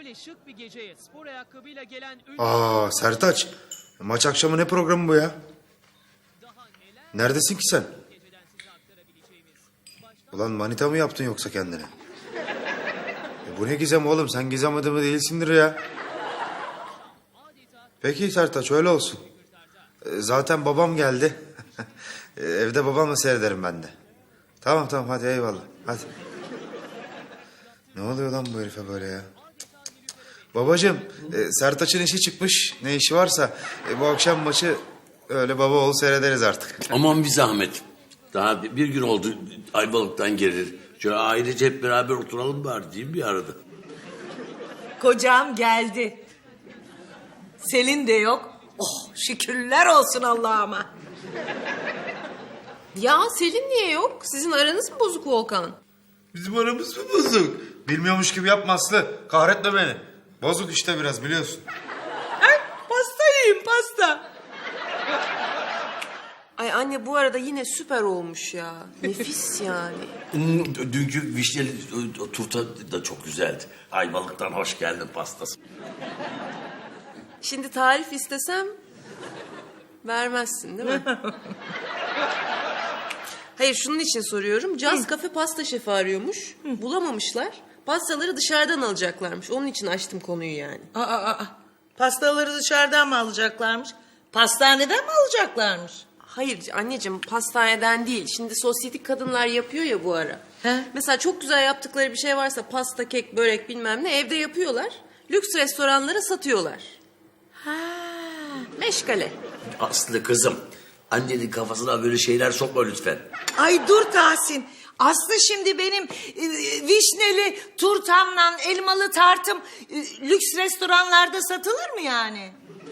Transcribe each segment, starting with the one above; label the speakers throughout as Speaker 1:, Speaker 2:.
Speaker 1: Böyle şık bir geceye spor ayakkabıyla gelen
Speaker 2: Aa Sertaç, maç akşamı ne programı bu ya? Neredesin ki sen? Ulan manita mı yaptın yoksa kendine? Bu ne gizem oğlum, sen gizem adamı değilsindir ya. Peki Sertaç, öyle olsun. Zaten babam geldi. Evde babamla seyrederim ben de. Tamam hadi eyvallah hadi. Ne oluyor lan bu herife böyle ya? Babacığım, Sertaç'ın işi çıkmış. Ne işi varsa bu akşam maçı öyle baba oğul seyrederiz artık.
Speaker 3: Aman bir zahmet. Daha bir gün oldu Ayvalık'tan gelir. Şöyle ailece hep beraber oturalım bari diyeyim bir arada.
Speaker 4: Kocam geldi. Selin de yok. Oh şükürler olsun Allah'ıma.
Speaker 5: Ya Selin niye yok? Sizin aranız mı bozuk Volkan?
Speaker 2: Bizim aramız mı bozuk? Bilmiyormuş gibi yapma Aslı. Kahretme beni. Bozuk işte biraz, biliyorsun.
Speaker 4: Pasta yiyeyim pasta.
Speaker 5: Ay anne bu arada yine süper olmuş ya. Nefis yani.
Speaker 3: Dünkü vişneli turta da çok güzeldi. Ayvalık'tan hoş geldin pastası.
Speaker 5: Şimdi tarif istesem vermezsin değil mi? Hayır şunun için soruyorum. Caz Kafe pasta şefi arıyormuş. Bulamamışlar. Pastaları dışarıdan alacaklarmış. Onun için açtım konuyu yani.
Speaker 4: Pastaları dışarıdan mı alacaklarmış? Pastaneden mi alacaklarmış?
Speaker 5: Hayır anneciğim pastaneden değil. Şimdi sosyetik kadınlar yapıyor ya bu ara.
Speaker 4: He?
Speaker 5: Mesela çok güzel yaptıkları bir şey varsa pasta, kek, börek bilmem ne evde yapıyorlar. Lüks restoranlara satıyorlar.
Speaker 4: Ha.
Speaker 5: Meşgale.
Speaker 3: Aslı kızım, annenin kafasına böyle şeyler sokma lütfen.
Speaker 4: Ay dur Tahsin. Aslı şimdi benim vişneli turtamla elmalı tartım lüks restoranlarda satılır mı yani?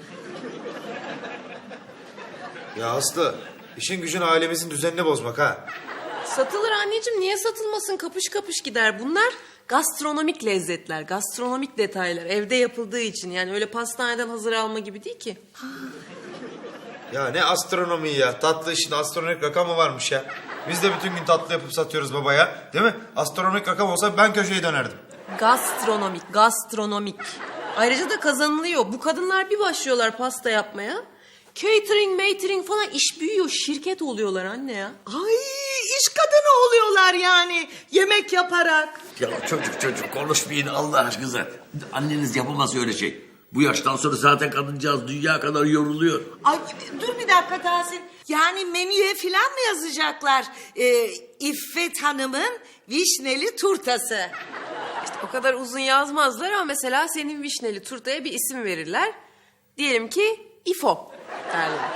Speaker 2: Ya Aslı, işin gücün ailemizin düzenini bozmak ha.
Speaker 5: Satılır anneciğim niye satılmasın kapış kapış gider. Bunlar gastronomik lezzetler, gastronomik detaylar evde yapıldığı için. Yani öyle pastaneden hazır alma gibi değil ki.
Speaker 2: Ya ne astronomi ya. Tatlı işin astronomik rakam mı varmış ya? Biz de bütün gün tatlı yapıp satıyoruz babaya. Değil mi? Astronomik rakam olsa ben köşeyi dönerdim.
Speaker 5: Gastronomik. Ayrıca da kazanılıyor. Bu kadınlar bir başlıyorlar pasta yapmaya. Catering falan iş büyüyor. Şirket oluyorlar anne ya.
Speaker 4: Ay iş kadını oluyorlar yani yemek yaparak.
Speaker 3: Ya çocuk konuşmayın Allah aşkına. Anneniz yapamaz öyle şey. Bu yaştan sonra zaten kadıncağız dünya kadar yoruluyor.
Speaker 4: Ay dur bir dakika Tahsin. Yani menüye falan mı yazacaklar? İffet Hanım'ın vişneli turtası.
Speaker 5: İşte o kadar uzun yazmazlar ama mesela senin vişneli turtaya bir isim verirler. Diyelim ki İfo derler.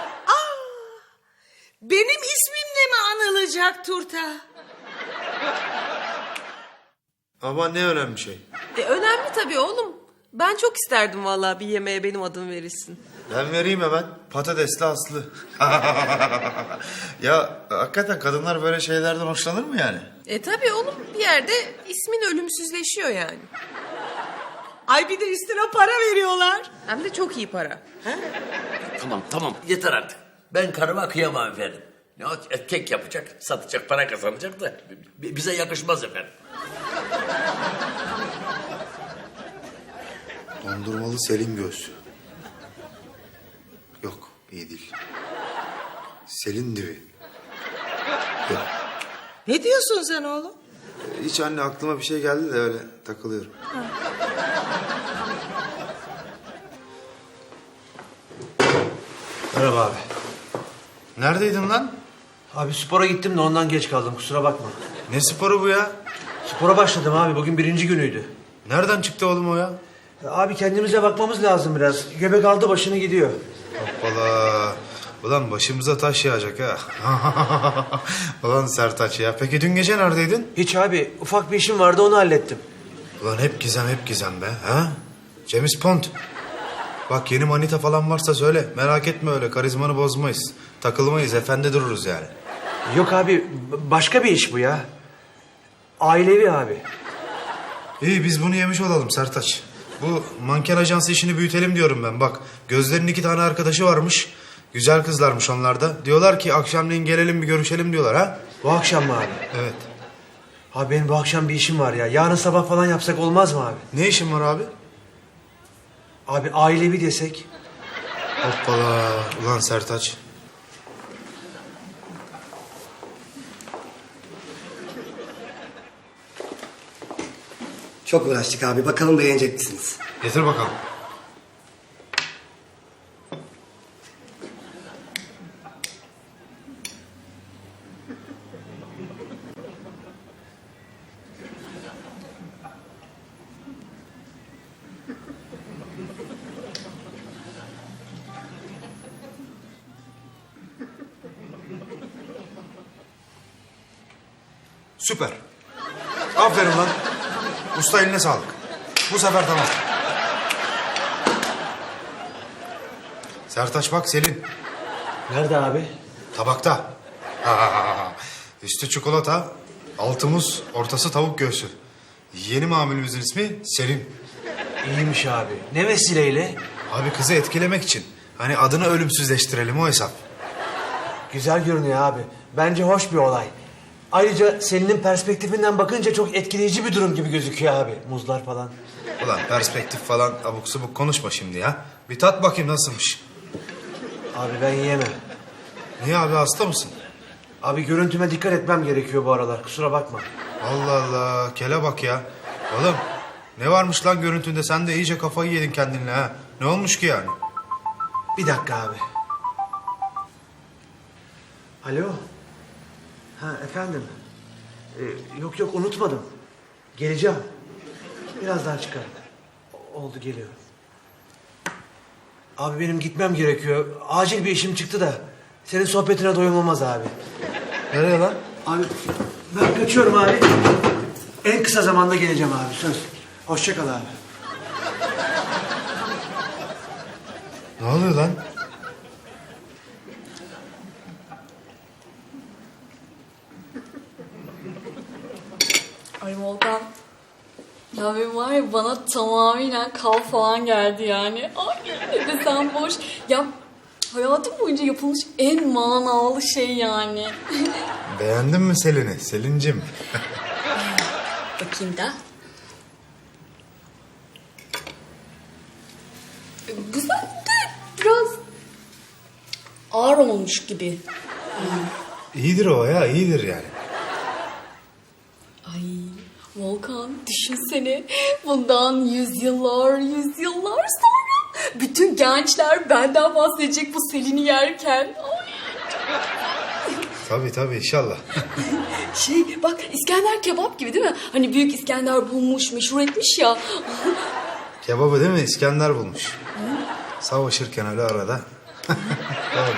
Speaker 4: Benim ismimle mi anılacak turta?
Speaker 2: Ama ne önemli şey.
Speaker 5: Önemli tabii oğlum. Ben çok isterdim vallahi bir yemeğe benim adım verilsin.
Speaker 2: Ben vereyim hemen. Patatesli Aslı. Ya hakikaten kadınlar böyle şeylerden hoşlanır mı yani?
Speaker 5: Tabii oğlum bir yerde ismin ölümsüzleşiyor yani.
Speaker 4: Ay bir de üstüne para veriyorlar.
Speaker 5: Hem de çok iyi para.
Speaker 3: Tamam yeter artık. Ben karıma kıyamam efendim. Ne o, kek yapacak, satacak, para kazanacak da bize yakışmaz efendim.
Speaker 2: Dondurmalı Selin göğsü. Yok, iyi değil. Selin dibi. Yok.
Speaker 4: Ne diyorsun sen oğlum?
Speaker 2: Hiç anne, aklıma bir şey geldi de öyle takılıyorum.
Speaker 6: Merhaba abi.
Speaker 2: Neredeydin lan?
Speaker 6: Abi spora gittim de ondan geç kaldım kusura bakma.
Speaker 2: Ne sporu bu ya?
Speaker 6: Spora başladım abi bugün 1. günüydü.
Speaker 2: Nereden çıktı oğlum o ya?
Speaker 6: Abi kendimize bakmamız lazım biraz. Göbek aldı başını gidiyor.
Speaker 2: Hoppala. Ulan başımıza taş yağacak ha. Ulan Sertaç ya. Peki dün gece neredeydin?
Speaker 6: Hiç abi ufak bir işim vardı onu hallettim.
Speaker 2: Ulan hep gizem be. Ha? James Bond. Bak yeni manita falan varsa söyle. Merak etme öyle. Karizmanı bozmayız. Takılmayız. Efendi dururuz yani.
Speaker 6: Yok abi başka bir iş bu ya. Ailevi abi.
Speaker 2: İyi biz bunu yemiş olalım Sertaç. Bu manken ajansı işini büyütelim diyorum ben. Bak Gözler'in 2 tane arkadaşı varmış. Güzel kızlarmış onlar da. Diyorlar ki akşamleyin gelelim bir görüşelim diyorlar ha.
Speaker 6: Bu akşam mı abi?
Speaker 2: Evet.
Speaker 6: Abi benim bu akşam bir işim var ya. Yarın sabah falan yapsak olmaz mı abi?
Speaker 2: Ne işin var abi?
Speaker 6: Abi ailevi desek.
Speaker 2: Hoppala. Ulan Sertaç.
Speaker 7: Çok uğraştık abi. Bakalım beğenecek misiniz?
Speaker 2: Getir bakalım. Süper. Aferin lan. Usta eline sağlık. Bu sefer tamam. Sertaç bak Selin.
Speaker 6: Nerede abi?
Speaker 2: Tabakta. Üstü çikolata, altı muz, ortası tavuk göğsü. Yeni mamulümüzün ismi Selin.
Speaker 6: İyiymiş abi. Ne vesileyle?
Speaker 2: Abi kızı etkilemek için. Hani adını ölümsüzleştirelim o hesap.
Speaker 6: Güzel görünüyor abi. Bence hoş bir olay. Ayrıca Selin'in perspektifinden bakınca çok etkileyici bir durum gibi gözüküyor abi. Muzlar falan.
Speaker 2: Ulan perspektif falan abuk subuk konuşma şimdi ya. Bir tat bakayım nasılmış.
Speaker 6: Abi ben yiyemem.
Speaker 2: Niye abi hasta mısın?
Speaker 6: Abi görüntüme dikkat etmem gerekiyor bu aralar. Kusura bakma.
Speaker 2: Allah Allah kele bak ya. Oğlum ne varmış lan görüntünde sen de iyice kafayı yedin kendinle ha. Ne olmuş ki yani?
Speaker 6: Bir dakika abi. Alo. Ha efendim. Yok unutmadım. Geleceğim. Biraz daha çıkar. Oldu geliyorum. Abi benim gitmem gerekiyor. Acil bir işim çıktı da. Senin sohbetine doyum olmaz abi.
Speaker 2: Nereye lan?
Speaker 6: Abi ben kaçıyorum abi. En kısa zamanda geleceğim abi söz. Hoşça kal abi.
Speaker 2: Ne oluyor lan?
Speaker 8: Ay Volkan. Ya benim var ya bana tamamen kal falan geldi yani. Ay ne desem boş. Ya hayatım boyunca yapılmış en manalı şey yani.
Speaker 2: Beğendin mi Selin'i? Selin'cim.
Speaker 8: Bakayım da. Güzel de biraz ağır olmuş gibi.
Speaker 2: İyidir o ya iyidir yani.
Speaker 8: Ay Volkan düşünsene bundan yüzyıllar sonra bütün gençler benden bahsedecek bu Selin'i yerken. Ay.
Speaker 2: Tabii inşallah.
Speaker 8: Şey bak İskender kebap gibi değil mi? Hani büyük İskender bulmuş, meşhur etmiş ya.
Speaker 2: Kebabı değil mi? İskender bulmuş. Savaşırken öyle arada. Doğru.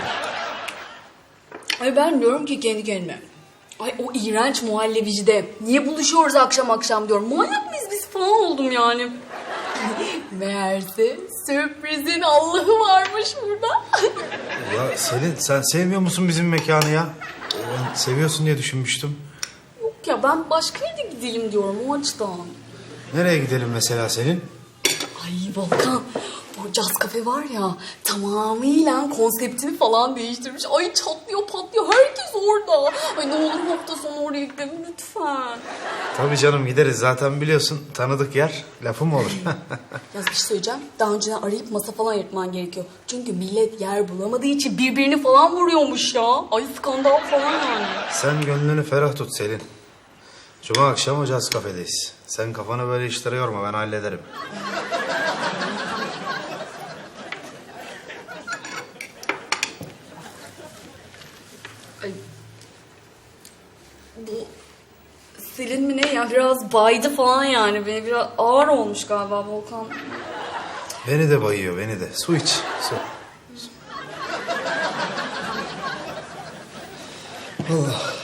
Speaker 8: Ay ben diyorum ki kendi kendime. Ay o iğrenç muhallebicide niye buluşuyoruz akşam diyorum. Manyak mıyız biz falan oldum yani. Meğerse sürprizin Allah'ı varmış burada.
Speaker 2: Ya Selin sen sevmiyor musun bizim mekanı ya? Ben seviyorsun diye düşünmüştüm.
Speaker 8: Yok ya ben başka yere gidelim diyorum o açıdan.
Speaker 2: Nereye gidelim mesela Selin?
Speaker 8: Ay Volkan, bu caz kafe var ya tamamıyla konseptini falan değiştirmiş. Ay çatlıyor patlıyor herkes orada. Ay ne olur hafta sonu oraya gidelim lütfen.
Speaker 2: Tabii canım gideriz zaten biliyorsun tanıdık yer lafı mı olur?
Speaker 8: Ya bir şey söyleyeceğim. Daha önceden arayıp masa falan ayırtman gerekiyor. Çünkü millet yer bulamadığı için birbirini falan vuruyormuş ya. Ay skandal falan yani.
Speaker 2: Sen gönlünü ferah tut Selin. Cuma akşamı Caz Kafe'deyiz. Sen kafanı böyle işlere yorma ben hallederim.
Speaker 8: Ay. Bu Selin mi ne ya biraz baydı falan yani. Beni biraz ağır olmuş galiba Volkan.
Speaker 2: Beni de bayıyor beni de. Su iç su. Allah.